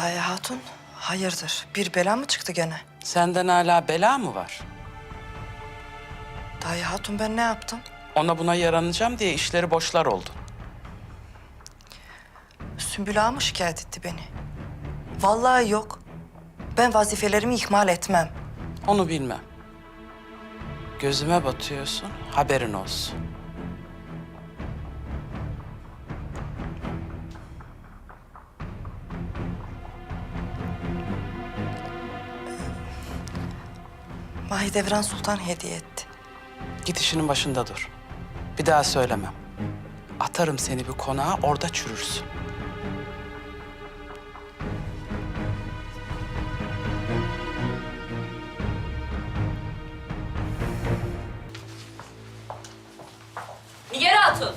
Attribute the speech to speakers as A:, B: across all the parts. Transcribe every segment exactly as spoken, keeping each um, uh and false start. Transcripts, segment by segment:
A: Dayı Hatun, hayırdır? Bir bela mı çıktı gene?
B: Senden hala bela mı var?
A: Dayı Hatun, ben ne yaptım?
B: Ona buna yaranacağım diye işleri boşlar oldu.
A: Sümbül Ağa mı şikayet etti beni? Vallahi yok. Ben vazifelerimi ihmal etmem.
B: Onu bilmem. Gözüme batıyorsun, haberin olsun.
A: Mahidevran Sultan hediye etti.
B: Git işinin başında dur. Bir daha söylemem. Atarım seni bir konağa, orada çürürsün.
C: Nigar Hatun.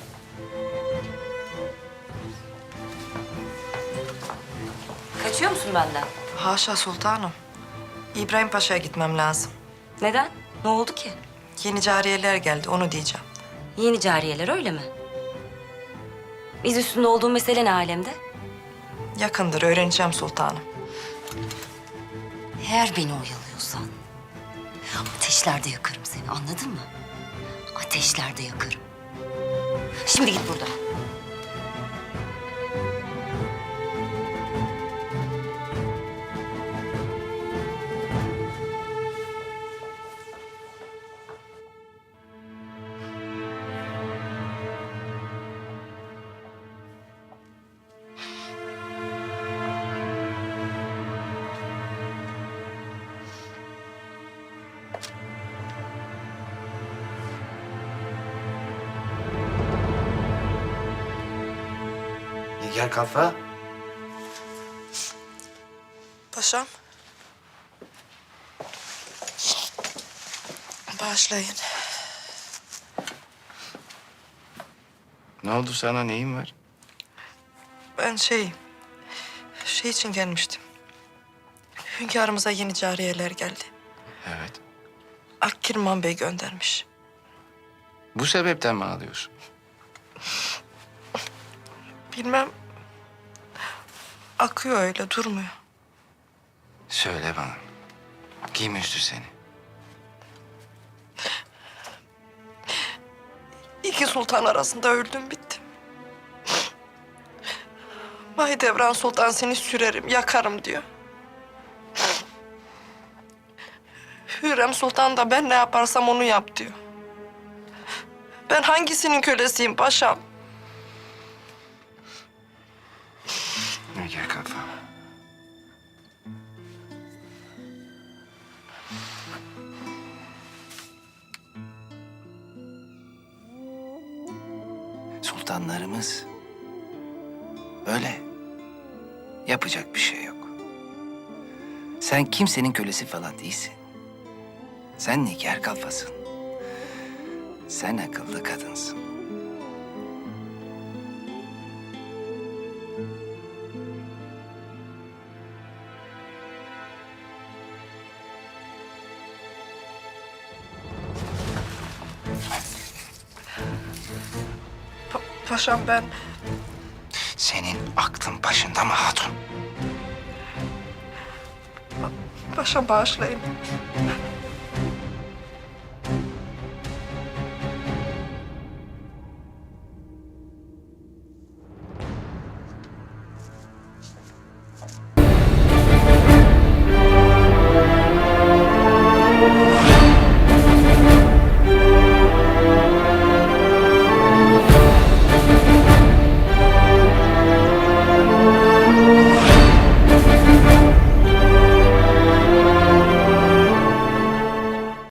C: Kaçıyor musun benden?
A: Haşa sultanım. İbrahim Paşa'ya gitmem lazım.
C: Neden? Ne oldu ki?
A: Yeni cariyeler geldi, onu diyeceğim.
C: Yeni cariyeler öyle mi? Biz üstünde olduğun mesele ne alemde?
A: Yakındır, öğreneceğim sultanım.
C: Eğer beni oyalıyorsan ateşlerde yakarım seni, anladın mı? Ateşlerde yakarım. Şimdi git buradan.
D: Nigar Kalfa.
A: Paşam. Bağışlayın.
D: Ne oldu sana, neyin var?
A: Ben şey... Şey için gelmiştim. Hünkârımıza yeni cariyeler geldi.
D: Evet.
A: Akkirman Bey göndermiş.
D: Bu sebepten mi ağlıyorsun?
A: Bilmem... Akıyor öyle, durmuyor.
D: Söyle bana. Kim üzdü seni?
A: İki sultan arasında öldüm bittim. Mahidevran Sultan seni sürerim, yakarım diyor. Hürrem Sultan da ben ne yaparsam onu yap diyor. Ben hangisinin kölesiyim paşam?
D: Nigar Kalfa. Sultanlarımız böyle. Yapacak bir şey yok. Sen kimsenin kölesi falan değilsin. Sen Nigar Kalfasın. Sen akıllı kadınsın.
A: Pa- paşam ben...
D: Senin aklın başında mı hatun?
A: Paşam bağışlayın.